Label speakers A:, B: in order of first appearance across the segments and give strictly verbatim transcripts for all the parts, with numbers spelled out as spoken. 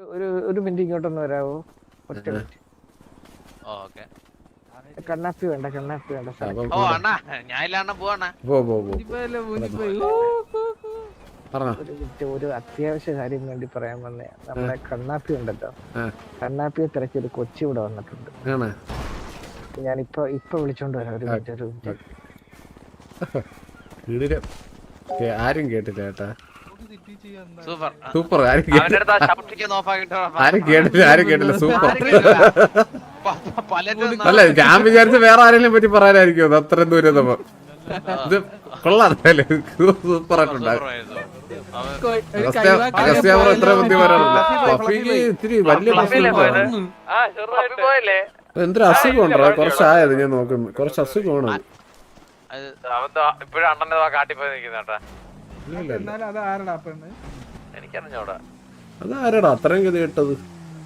A: ഒരു ഒരു മിനിറ്റ് ഇങ്ങോട്ടൊന്ന് വരാവോ? ഒറ്റ മിനിറ്റ്. കണ്ണാപ്പി വേണ്ട, കണ്ണാപ്പി വേണ്ട. ഒരു മിനിറ്റ്, ഒരു അത്യാവശ്യ കാര്യം വേണ്ടി പറയാൻ വന്നേ. നമ്മളെ കണ്ണാപ്പി ഉണ്ടല്ലോ, കണ്ണാപ്പിയെ തിരക്കി ഒരു കൊച്ചി ഇവിടെ വന്നിട്ടുണ്ട്. ഞാൻ ഇപ്പൊ ഇപ്പൊ വിളിച്ചോണ്ട് വരാം. ഒരു മിനിറ്റ്, ഒരു മിനിറ്റ്.
B: ആരും കേട്ടില്ല കേട്ടാ. സൂപ്പർ. ആരും കേട്ടില്ല, ആരും കേട്ടില്ല, ആരും കേട്ടില്ല. സൂപ്പർ. അല്ല, ഞാൻ വിചാരിച്ച വേറെ ആരെങ്കിലും പറ്റി പറയാനായിരിക്കും അത്രയും ദൂരം നമ്മ. ഇത് കൊള്ളാം, സൂപ്പർ ആയിട്ടുണ്ടാകും. എത്ര ബുദ്ധി വരാറില്ല. പഫിക്ക് ഇത്തിരി വലിയ പ്രശ്നം. എന്തൊരു അസുഖമുണ്ടോ? കുറച്ചായത് ഞാൻ നോക്കുന്നു. കുറച്ച് അസുഖമാണ്. അതാരടാ അത്രയും ഗതി കേട്ടത്?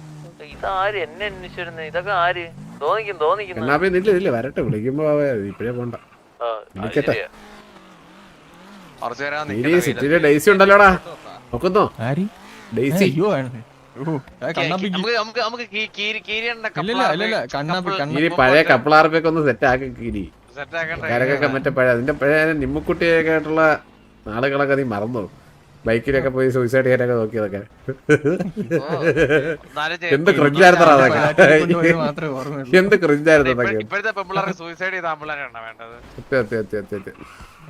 B: കണ്ണാപ്പി നില്ല ഇല്ല, വരട്ടെ. വിളിക്കുമ്പോ ഇപ്പഴേ പോണ്ട. വിളിക്കട്ടെ. സിറ്റിയിലെ ഡെയ്സി ഉണ്ടല്ലോടാ, നോക്കുന്നോ? ഡെയ്സി പഴയ കപ്പിളാർപ്പൊക്കെ ഒന്ന് സെറ്റ് ആക്കി കീരി. കരകൊക്കെ മറ്റേ പഴയ അതിന്റെ പഴയ നിമ്മക്കുട്ടിയൊക്കെ ആയിട്ടുള്ള നാളുകളൊക്കെ നീ മറന്നു. ബൈക്കിലൊക്കെ പോയി സൂയിസൈഡ് ചെയ്യാനൊക്കെ നോക്കിയതൊക്കെ എന്ത് ക്രിഞ്ചായിരുന്നോ അതൊക്കെ. എന്ത് ക്രിഞ്ചായിരുന്നു അതൊക്കെ. സത്യം സത്യം സത്യം സത്യം.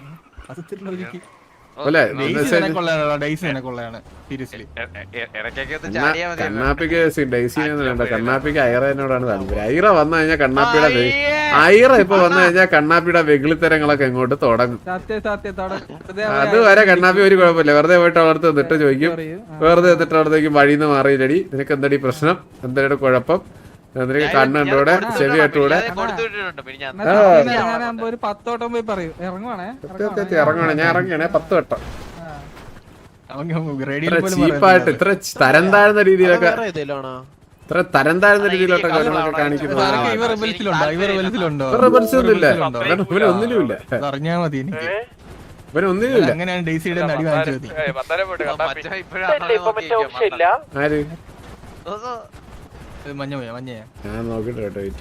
B: കണ്ണാപ്പിക്ക് ഡെയ്സിനെ വേണ്ട, കണ്ണാപ്പിക്ക് ഐറനോടാണ് താല്പര്യം. ഐറ വന്നു കഴിഞ്ഞാൽ കണ്ണാപ്പിയുടെ ഐറ ഇപ്പൊ വന്നു കഴിഞ്ഞാൽ കണ്ണാപ്പിയുടെ വെകിളിത്തരങ്ങളൊക്കെ ഇങ്ങോട്ട് തുടങ്ങും. അതുവരെ കണ്ണാപ്പി ഒരു കുഴപ്പമില്ല. വെറുതെ പോയിട്ട് അവിടുത്തെ നിന്നിട്ട് ചോദിക്കും, വെറുതെ എന്നിട്ട് അവിടത്തേക്ക് വഴിന്ന് മാറിയില്ലടി, നിനക്ക് എന്തടി പ്രശ്നം, എന്താണ് കുഴപ്പം, നിനക്ക് കണ്ണുണ്ടൂടെ ചെവി കെട്ടൂടെ. ഇറങ്ങണേ, ഞാൻ ഇറങ്ങിയാണേ പത്ത് വട്ടം. ചീപ്പായിട്ട് ഇത്ര തരം താഴ്ന്ന രീതിയിലൊക്കെ ഇത്ര തരം താഴ്ന്ന രീതിയിലൊക്കെ കാണിക്കുന്നത് ഒന്നുമില്ല. ഇവനൊന്നിലുമില്ല, ഇവനൊന്നിലുമില്ല. ആര് ഞാൻ നോക്കിട്ട് കേട്ടോ. വെയിറ്റ്.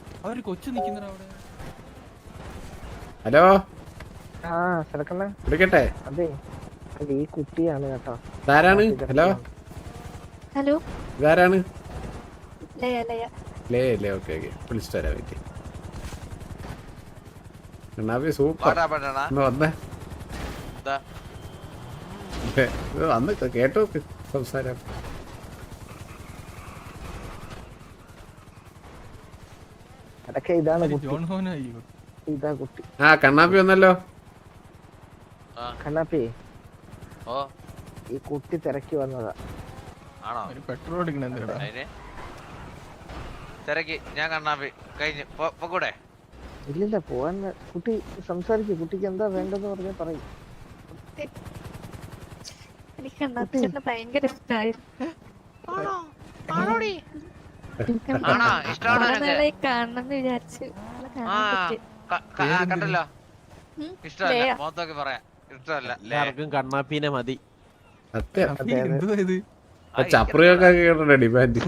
B: ഹലോ, വിളിക്കട്ടെ?
A: അതെ, ഈ കുട്ടിയാണ് കേട്ടോ.
B: ഇതാരാണ്? ഹലോ
C: ഹലോ,
B: ഇതാരാണ്?
C: ലയ ലയ
B: ലേ ലേ ഓക്കെ ഓക്കെ, വിളിച്ചിട്ട് തരാം. വെയിറ്റ്. കണ്ണാപ്പി സൂപ്പർ. വന്നേ വന്ന് കേട്ടോ സംസാരം.
A: അതൊക്കെ ഇതാണ് ഇതാ കുട്ടി.
B: ആ കണ്ണാപ്പി വന്നല്ലോ.
A: കണ്ണാപ്പി, ഈ കുട്ടി തിരക്കി വന്നതാ.
D: പെട്രോൾ ഞാൻ കണ്ണാപ്പി കഴിഞ്ഞു കൂടെ.
A: ഇല്ലില്ല, പോവാൻ. കുട്ടി സംസാരിക്കും. കുട്ടിക്ക് എന്താ വേണ്ടെന്ന് പറഞ്ഞാൽ പറയും.
C: എനിക്ക് കണ്ണാപ്പിച്ചേട്ടനെ ഭയങ്കര ഇഷ്ടമായിരുന്നു. കാണണമെന്ന് വിചാരിച്ചു.
D: കണ്ടല്ലോ, ഇഷ്ടമല്ല മൊത്തമൊക്കെ പറയാം. ഇഷ്ടമല്ല, എല്ലാവർക്കും കണ്ണാപ്പീനെ മതി.
B: ചപ്രിയൊക്കെ കേട്ടോ ഡിമാൻഡ്.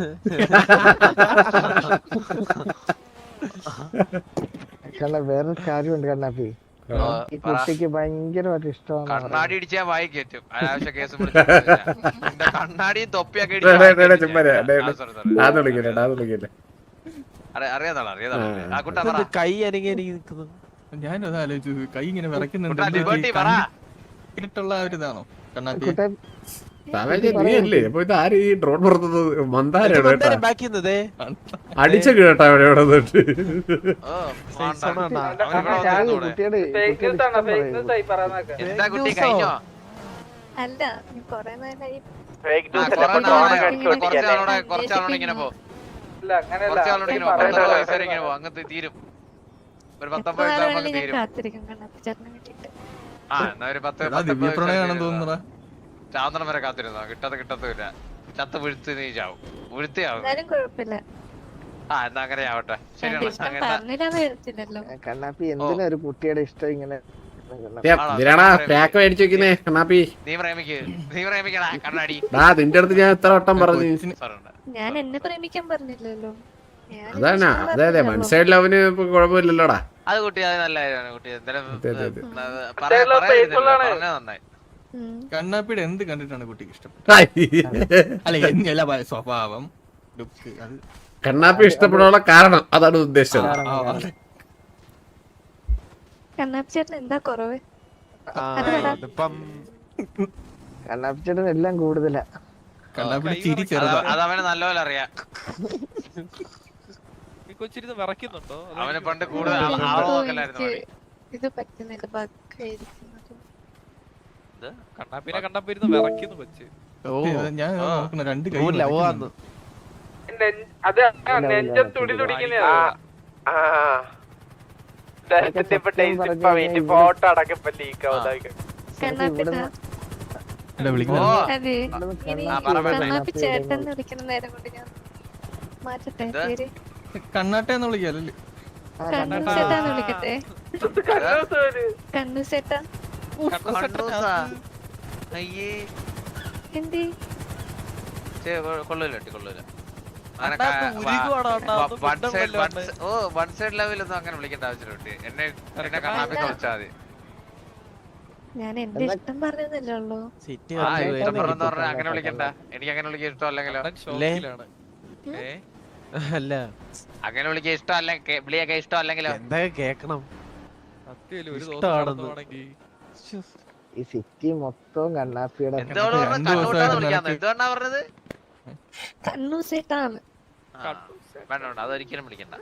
A: വേറൊരു കാര്യമുണ്ട് കണ്ണാപ്പി, ഈ കുട്ടിക്ക് ഭയങ്കരമായിട്ട് ഇഷ്ടമാണ്.
D: കണ്ണാടി ഇടിച്ചാ വായി കയറ്റും. അനാവശ്യ കേസ് കണ്ണാടിയും തൊപ്പിയൊക്കെ അറിയാതാളെ കൈ അനങ്ങി നിൽക്കുന്നു.
E: ഞാനത് ആലോചിച്ചു, കൈ ഇങ്ങനെ വിറയ്ക്കുന്നുണ്ട്. ഒരിതാണോ കണ്ണാപ്പി?
B: നീയല്ലേ അപ്പൊ ഇത് ആര്? ഈ ഡ്രോൺ പുറത്തുന്നത് മന്ദാരാണ് കേട്ടോ. അടിച്ച കേട്ടാ അവിടെ ഇവിടെ നിന്നിട്ട്.
C: അല്ല, കൊറേ നേരമായി
D: തീരും. ഒരു
C: കാത്തിരിക്കും കണ്ണാപ്പിച്ചേട്ടനെ കിട്ടിയിട്ട്.
D: ആ എന്നാ ഒരു പത്ത് ചാന്തണം വരെ കാത്തിരുന്നോ? കിട്ടത്ത് കിട്ടത്തില്ല. ചത്ത് വീഴ്ത്തി നീ ചാവും. വീഴ്ത്തിയാവും. ആ എന്നാ അങ്ങനെ ആവട്ടെ. ശരിയാണ്.
A: കണ്ണാപ്പി എന്തിനാ ഒരു കുട്ടിയുടെ ഇഷ്ടം ഇങ്ങനെ
B: ഇതിനാടാ പാക്ക് മേടിച്ചു വെക്കുന്നേ കണ്ണാപ്പി.
D: നീ പ്രേമിക്ക് നീ പ്രേമിക്കടാ കണ്ണാടി.
B: ഡാ നിന്റെ അടുത്ത് ഞാൻ എത്ര വട്ടം പറഞ്ഞു.
C: ഞാൻ എന്നെ പ്രേമിക്കാൻ പറഞ്ഞില്ലല്ലോ. ഞാൻ
B: അതാണ് അതെ അതെ വൺ സൈഡ് ലവിന് ഇപ്പൊ കുഴപ്പമില്ലല്ലോടാ.
D: അത് കുട്ടി അത് നല്ല കാര്യമാണ് കുട്ടി. എന്തായാലും
B: അതെ, അതെ, അതെ.
D: പറഞ്ഞ നന്നായി.
C: ഉം.
E: കണ്ണാപ്പിയുടെ എന്ത് കണ്ടിട്ടാണ് കുട്ടിക്ക് ഇഷ്ടം?
B: ഹായ്.
E: അല്ല എല്ലാ സ്വഭാവം ലുക്ക് അത്
B: കണ്ണാപ്പി ഇഷ്ടപ്പെടാനുള്ള കാരണം അതാണ് ഉദ്ദേശിച്ചത്.
E: ആ, ആ.
C: കണ്ണാപ്പി ചേട്ടൻ എന്താ കുറവ്?
A: കണ്ണാപ്പിച്ചേട്ടൻ എല്ലാം കൂടുതലാ.
E: കണ്ണാപ്പിയുടെ ചിരി
D: അത്
E: ചെറുതാ.
D: അത് അവന് നല്ലപോലെ അറിയാം.
F: കൊച്ചിരുന്ന് വിറയ്ക്കുന്നുണ്ടോ?
D: അവന് പണ്ട് കൂടുതൽ
C: ഇത്
D: ആളോക്കല്ലായിരുന്നു
C: എനിക്ക് ഇത് പറ്റുന്നില്ല. ബഗ്ഗായിരിക്കുന്നത്.
F: കണ്ണാപ്പിനെ കണ്ടപ്പോ ഇരുന്ന് വിറയ്ക്കുന്നു കൊച്ച്.
E: സത്യം, ഞാൻ നോക്കണ രണ്ട് കൈ
C: ഫോട്ടോ കണ്ണാപ്പിട്ടാ
E: വിളിക്കുന്നത്.
C: അതെ ഇനി
D: ആ, പറ, പറ.
C: കണ്ണാപ്പി ചേട്ടൻ എന്ന് വിളിക്കുന്ന നേരം കൊണ്ട് ഞാൻ മാറ്റട്ടെ പേര്.
E: കണ്ണാട്ടെന്ന് വിളിക്കാല്ലേ?
C: കണ്ണു ചേട്ടാന്ന് വിളിക്കട്ടെ. കണ്ണു ചേട്ടാ
D: കണ്ണൂസാ. അയ്യേ
C: എന്തി
D: ചേ, കൊ- കൊള്ളൂല കുട്ടി, കൊള്ളൂല. അങ്ങനെ
F: കണ്ണാപ്പി
D: ക-
F: ഉരുകുവാണോ അണ്ണാ?
D: വ-
F: ഒന്നും
D: one
F: മിണ്ടം
D: side-
F: വല്ലതും
D: one
F: ഉണ്ട്.
D: side- ഓ വൺ സൈഡ് ലെവലൊന്നും അങ്ങനെ വിളിക്കേണ്ട ആവശ്യമില്ല കുട്ടി. എന്നെ എന്നെ കണ്ണാപ്പിക്ക് വിളിച്ചാൽ മതി.
C: ഞാൻ എന്റെ ഇഷ്ടം പറഞ്ഞതല്ലേ ഉള്ളൂ.
D: ആ ഇഷ്ടം പറഞ്ഞെന്ന് പറഞ്ഞാൽ അങ്ങനെ വിളിക്കണ്ട. എനിക്ക് അങ്ങനെ വിളിക്കാൻ ഇഷ്ടം അല്ലെങ്കിലോ?
F: അണ്ണൻ ഷോക്കിലാണ്. ഏ?
G: അല്ല
D: അങ്ങനെ വിളിക്കാൻ ഇഷ്ടം അല്ലെങ്കിൽ വിളിയൊക്കെ ഇഷ്ടം അല്ലെങ്കിലോ?
G: എന്തൊക്കെ കേക്കണം.
F: സത്യമല്ലേ, ഒരു ദിവസം
G: ഇഷ്ടാണെന്ന്.
F: നടന്നുവാണെങ്കി.
A: ഈ സിറ്റി മൊത്തം കണ്ണാപ്പിയുടെ
D: എന്തോട് പറഞ്ഞ
E: രണ്ട്
D: കണ്ണൂട്ടാന്ന്
E: ദിവസമായിട്ട്
D: വിളിക്കാന്ന്
E: നിനക്ക്
D: എന്തുകൊണ്ടാ പറഞ്ഞത്?
C: കണ്ണു ചേട്ടാണ്.
D: ആ, വേണ്ട വേണ്ട അതൊരിക്കലും വിളിക്കണ്ട.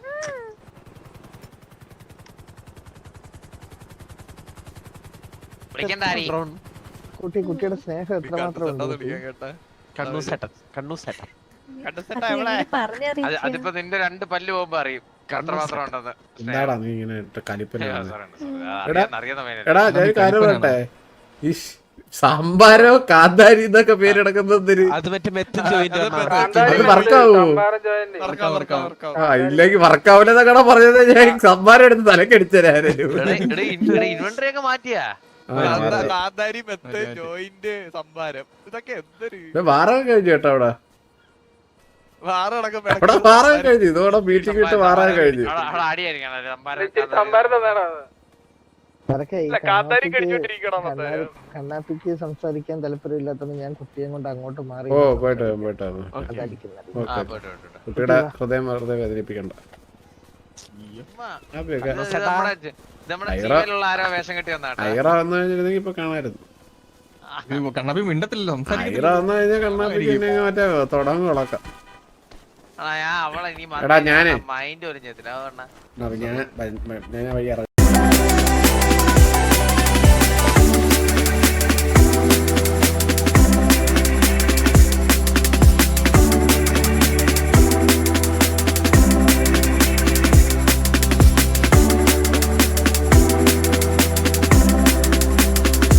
D: വിളിക്കണ്ട ആരി.
A: കുട്ടി കുട്ടിയുടെ സ്നേഹം എത്രമാത്രം ഉണ്ട്
F: കണ്ണൂസേട്ടാന്ന്
A: കുട്ടി.
F: വിളിക്കാൻ കേട്ടാ.
G: കണ്ണൂസേട്ടൻ കണ്ണൂസേട്ടൻ
F: കണ്ണൂസേട്ടാ
C: അത്
F: എവിടെ?
C: എങ്ങനെ
D: അത്
C: പറഞ്ഞറിയിക്കാൻ?
D: അതിപ്പോ നിന്റെ രണ്ട് പല്ല് പോകുമ്പോ അറിയും എത്രമാത്രം ഉണ്ടെന്ന്.
B: എന്താടാ നീ ഇങ്ങനെ കലിപ്പന
D: ആ,
B: കാണുന്നെ?
D: sorry, sorry. ആ, അറിയാം, അറിയാവുന്ന പയ്യനല്ലേ.
B: എടാ ഞാൻ ഒരു കാര്യം പറയട്ടെ. ഈ സാമ്പാരോ കാന്താരി എന്നൊക്കെ പേരെടുക്കുന്നതിന്
G: അത് മറ്റേ മെത്തും ജോയിന്റ്
B: അത് വർക്കാവോ?
E: വർക്കാം, വർക്കാം, വർക്കാം.
B: ആ ഇല്ലെങ്കിൽ വർക്കാവില്ലെന്നൊക്കെ പറഞ്ഞത് ഞാൻ സംഭാരം എടുത്ത് തലക്കടിച്ചരാരും.
D: എടാ, എടാ, ഇൻ- എടാ, inventory ഒക്കെ മാറ്റിയാ?
F: കാന്താ- കാന്താരി മെത്ത് ജോയിന്റ് സംഭാരം ഇതൊക്കെ എന്തൊരു
B: വാറൊക്കെ കഴിഞ്ഞു കേട്ടോ അവിടെ.
F: വാറടക്കം
B: അവിടെ വാറൊക്കെ കഴിഞ്ഞു. ഇതോടെ വീട്ടിൽ ഇട്ട് വാറൊക്കെ കഴിഞ്ഞു.
D: അവിടെ- അവിടെ അടിയായിരിക്കണം അല്ലേ, സംഭാരം.
A: അതൊക്കെ ഈ
F: കാന്താരി
A: കണ്ണാപ്പിക്ക്
F: കടിച്ചോണ്ടിരിക്കണം
A: കണ്ണാ- കണ്ണാപ്പിക്ക് സംസാരിക്കാൻ താല്പര്യമില്ലാത്തത് ഞാൻ കുട്ടിയെ കൊണ്ട് അങ്ങോട്ട് മാറി
B: ഓ പോയിട്ട് വരാം, പോയിട്ട് വരാം.
A: അതടിക്കുന്നത്.
D: ആ,
B: ഓക്കെ
D: പോയിട്ട്, പോയിട്ട്, പോയിട്ട്.
B: കുട്ടിയുടെ ഹൃദയം വെറുതെ വേദനിപ്പിക്കണ്ട.
D: ഉമ്മാ.
B: ഹാപ്പിയൊക്കെ.
D: ഇത് നമ്മുടെ ഇത് നമ്മുടെ
B: ഐറ.
D: സീരിയലുള്ള ആരോ വേഷം കെട്ടി വന്നാട്ടാ.
B: ഐറ വന്നു കഴിഞ്ഞിരുന്നെങ്കിൽ ഇപ്പൊ കാണായിരുന്നു.
E: ഇത് കണ്ണാപ്പി മിണ്ടത്തില്ലല്ലോ,
B: ഐറ
E: സംസാരിക്കത്തില്ല.
B: വന്നു കഴിഞ്ഞാൽ കണ്ണാപ്പിക്ക് പിന്നെ മറ്റേ തുടങ്ങും ഉളക്കാം.
D: ആ, ഞാൻ അവളെ ഇനി
B: എടാ, ഞാനേ.
D: മൈൻഡ് ഒരു ചെയ്തില്ല അതുകൊണ്ടാ.
B: ഞാൻ ഞാൻ വഴി ഇറങ്ങാം.